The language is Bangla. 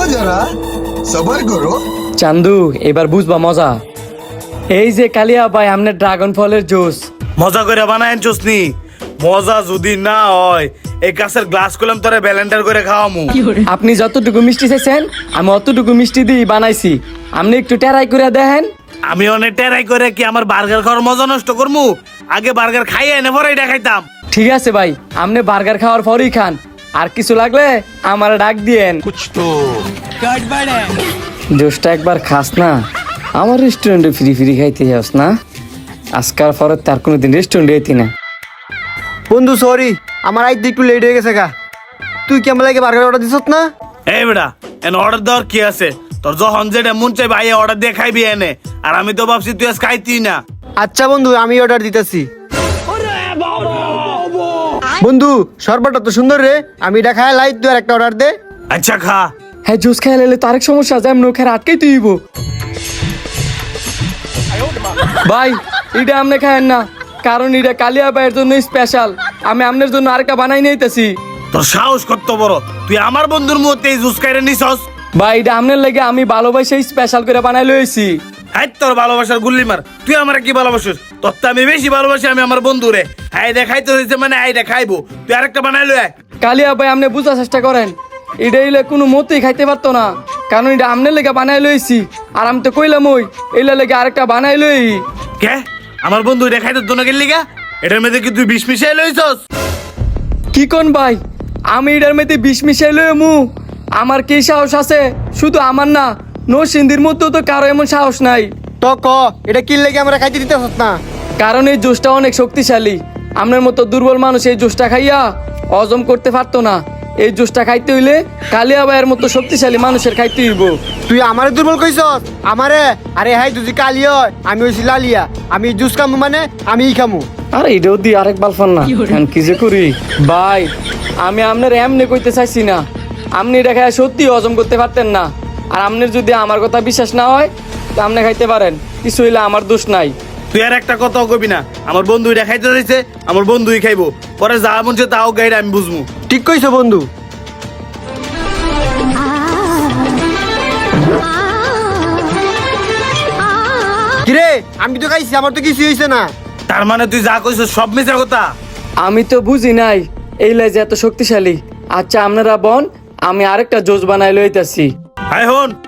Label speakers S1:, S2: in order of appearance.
S1: जरा सबर करो।
S2: চান্দু এবার বুঝবা মজা। এই যে কালিয়া ভাই আমনে ড্রাগন ফলের জুস
S3: মজা করে বানায়েন চুসনি। মজা যদি না হয় এই গাছের গ্লাস কলম তোরে ব্যালেন্ডার করে খাওয়ামু।
S2: আপনি যতটুকু মিষ্টি চাইছেন আমি অতটুকু মিষ্টি দিয়ে বানাইছি, আপনি একটু টেরাই করে দেখেন।
S3: আমি অনেক টেরাই করে কি আমার বার্গার খাওয়ার মজা নষ্ট করমু? আগে বার্গার খাইয়ে এনে পরে এটা খাইতাম।
S2: ঠিক আছে ভাই, আপনি বার্গার খাওয়ার পরই খান, আর কিছু লাগলে আমার ডাক দিয়েন। জুসটা একবার খাস না, আমার রেস্টুরেন্টে ফ্রি ফ্রি খাইতে যাস না। আজকাল পরে তার কোনোদিন রেস্টুরেন্টে যেতি না।
S4: বন্ধু সরি, আমার আইতে একটু লেট হয়ে গেছে গা। তুই কেমন লাগে বার্গার অর্ডার দিছত না?
S3: এই বেটা এন অর্ডার দেওয়ার কি আছে? তোর যখন যেটা মন চাই ভাই অর্ডার দিয়ে খাইবি এনে। আর আমি তো ভাবছি তুই আজ খাইতি না।
S4: আচ্ছা বন্ধু, আমি অর্ডার দিতেছি। বন্ধু শরবতটা তো সুন্দর রে, আমি এটা খাই লাই, তুই আর একটা অর্ডার দে।
S3: আচ্ছা খা।
S2: হ্যাঁ জুস খাই লাইলে তো আরেক সমস্যা, যেমন ওখানে আটকেই তুইব। ভাই এটা আপনি খায়েন না, কারণ এটা কালিয়া ভাইয়ের জন্য স্পেশাল। আমি আপনার জন্য আরেকটা বানাই নিতেছি।
S3: তোর সাহস কত বড়, তুই আমার বন্ধুর মুহূর্তে এই জুস খাইরে নিছস?
S2: ভাই এটা আপনার লাগে আমি ভালোবাসে স্পেশাল করে বানাই লইছি।
S3: হ্যাঁ তোর ভালোবাসার গুল্লি মার, তুই আমার কি ভালোবাসিস? তোর তো আমি বেশি ভালোবাসি আমি আমার বন্ধুরে। হ্যাঁ দেখাইতে হয়েছে মানে এইটা খাইবো, তুই আরেকটা বানাইলো।
S2: কালিয়া ভাই আপনি বুঝার চেষ্টা করেন, এটা এলে কোনো মতেই খাইতে পারতো না, কারণ এটা আপনার লেগে বানাই লইছি। আর আমি তো কইলাম ওই এলে লেগে আরেকটা বানাই লই।
S3: কে আমার বন্ধু এটা খাইতে তো না গেলি গা? এটার মধ্যে কি তুই বিষ মিশাই লইছস?
S2: কি কোন ভাই, আমি এটার মধ্যে বিষ মিশাই লই মু? আমার কি সাহস আছে? শুধু আমার না, নরসিংদীর মধ্যেও তো কারো এমন সাহস নাই।
S4: তো ক এটা কি লেগে আমরা খাইতে দিতেছত না?
S2: কারণ এই জুসটা অনেক শক্তিশালী। আপনার মতো দুর্বল মানুষ এই জুসটা খাইয়া হজম করতে পারতো না। এই জুসটা খাইতে হইলে কালিয়া ভাইয়ের মতো শক্তিশালী মানুষের খাইতে হইব।
S4: তুই আমারে দুর্বল কইছস? আমারে? আরে হাই তুই কালি হয়, আমি হইছি লালিয়া। আমি জুস খামু মানে আমিই খামু।
S2: আরে এটাও দি আরেক বালফান না, কি যে করি ভাই। আমি আপনার এমনি কইতে চাইছি না, আপনি এটা খাই সত্যি হজম করতে পারতেন না। আর আপনার যদি আমার কথা বিশ্বাস না হয় তা আপনি খাইতে পারেন, কিছু হইলে আমার দোষ নাই।
S3: তুই আর একটা কথাও কবি না। আমার বন্ধু এটা খাইতে চাইছে, আমার বন্ধুই খাইবো। পরে যা মন চায় তাও গাইড আমি বুঝবো।
S4: ঠিক কইছো বন্ধু। কিরে আমি তো খাইছি, আমার তো কিছু হইছে না।
S3: তার মানে তুই যা কইছিস সব মিছা কথা?
S2: আমি তো বুঝি নাই এই লেজ এত শক্তিশালী। আচ্ছা আপনারা বন, আমি আরেকটা জোস বানাই লইতাছি।
S3: হাই হন